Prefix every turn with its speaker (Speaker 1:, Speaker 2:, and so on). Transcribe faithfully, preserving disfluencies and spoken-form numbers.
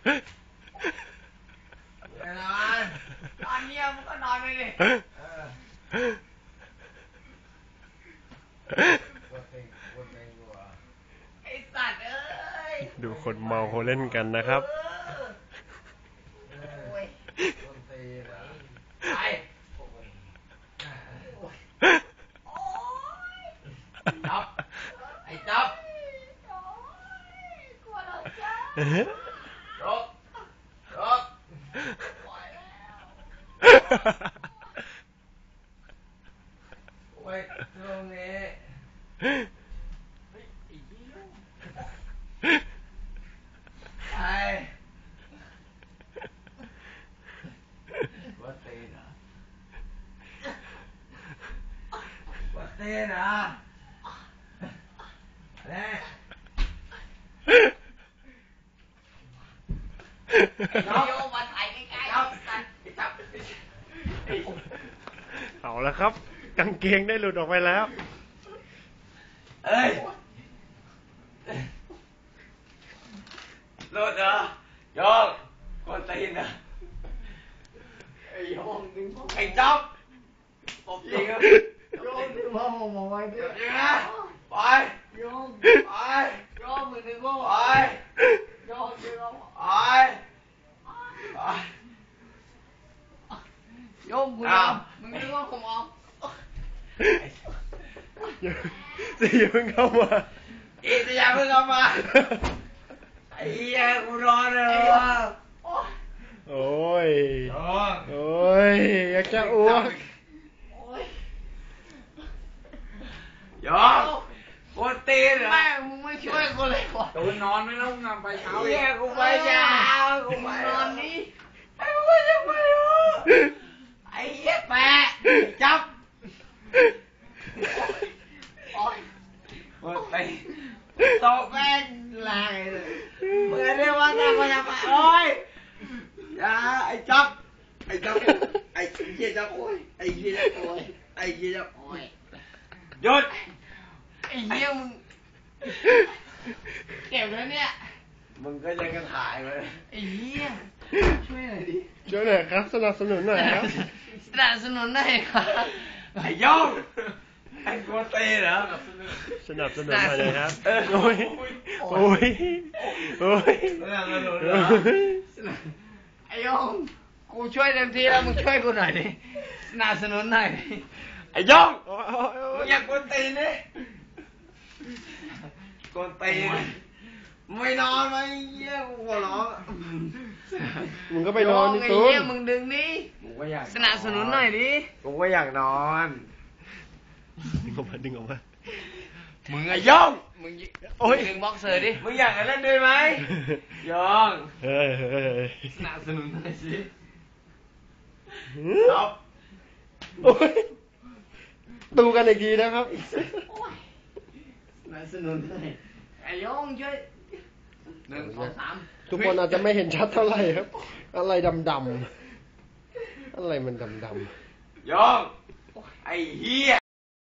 Speaker 1: นอนนอนเงียบมึงก็นอนไปดิไอ้สัตว์เอ้ย
Speaker 2: ดูคนเมาเขาเล่นกันนะครับ
Speaker 1: ไปจับไอ้จับกลัวเราจ้ารบรบปล่อยแล้วไว้ตรงนี้ไปวัดเต้นอ่ะวัดเต้นอ่ะแน่โยมมาถ่ายใกล้ๆจับจับ
Speaker 2: เอาแล้วครับกางเกงได้หลุดออกไปแล้ว
Speaker 1: เอ้ยหลุดเหรอโยมคนตีนอ่ะไอ้โยมดึงไอ้จับตบจริงอ่ะโยมดึงพ่อผมเอาไว้ด้วยจริงนะไปโยมไปโยมมือดึงพ่อไปโยมดึงพ่อไปไปโยมกูยอมมึงดึงพ่อผมเอา
Speaker 2: จะอย่าเพิ่งเข้ามา
Speaker 1: อีจะอย่าเพิ่งเข้ามาไอ้เหี้ยกูรอเลยว่ะ
Speaker 2: โอ้ยโอ้ยอยากจะอ้วก
Speaker 1: ยอมกูตีนเหรอแม่มึงไม่ช่วยกูเลยวะ
Speaker 3: ตูนนอนไม่แล้วงานไปเช้าอีก
Speaker 1: เหี้ยกูไปเช้ากูไปนอนนี้ไอ้กูจะไปเหรอไอ้เหี้ยแปะจับโอ้ยกูตีตบแม่งลายเลยเมื่อเรียกว่าจะมาจะมาโอ้ยอย่าไอ้จับไอ้จับไอ้เหี้ยจับโอ้ยไอ้เหี้ยจับโอ้ยไอ้เหี้ยจับโอ้ยหยุดไอ้เหี้ยมึงเก็บแล้วเนี่ยมึงก็ยังกระถ่ายเลยไอ้เหี้ยช่วยหน่อยดิ
Speaker 2: ช่วยหน่อยครับสนับสนุนหน่อยครับ
Speaker 1: สนับสนุนหน่อยครับไอ้ยงไอ้กูตีเหรอ
Speaker 2: สนับสนุนหน่อยเลยครับโอ้ยโอ้ยโอ้ย
Speaker 1: สนับสนุนเหรอไอ้ยงกูช่วยเต็มที่แล้วมึงช่วยกูหน่อยดิสนับสนุนหน่อยดิไอ้ยงมึงอยากกูตีนี่กูตีไม่นอนไหมเยี่ยกูหัวร้อง
Speaker 2: มึงก็ไปนอนดิตูน
Speaker 1: มึงดึงนี่สนับสนุนหน่อยดิกูก็อยากนอน
Speaker 2: ดึงออกมาดึงออกมา
Speaker 1: มึงไอ้ย่องมึง
Speaker 2: โอ้ย
Speaker 1: ดึงบ็อกเซอร์ดิมึงอยากเล่นด้วยไหมย่อง
Speaker 2: เฮ้ยเฮ้ย
Speaker 1: สนับสนุนหน่อยสิ
Speaker 2: จบโอ้ยดูกันอีกทีนะครับ
Speaker 1: สนับสนุนหน่อยไอ้ย่องช่วยหนึ่งสองสาม
Speaker 2: ทุกคนอาจจะไม่เห็นชัดเท่าไหร่ครับอะไรดำๆอะไรมันดำ
Speaker 1: ๆย่องไอ้เหี้ย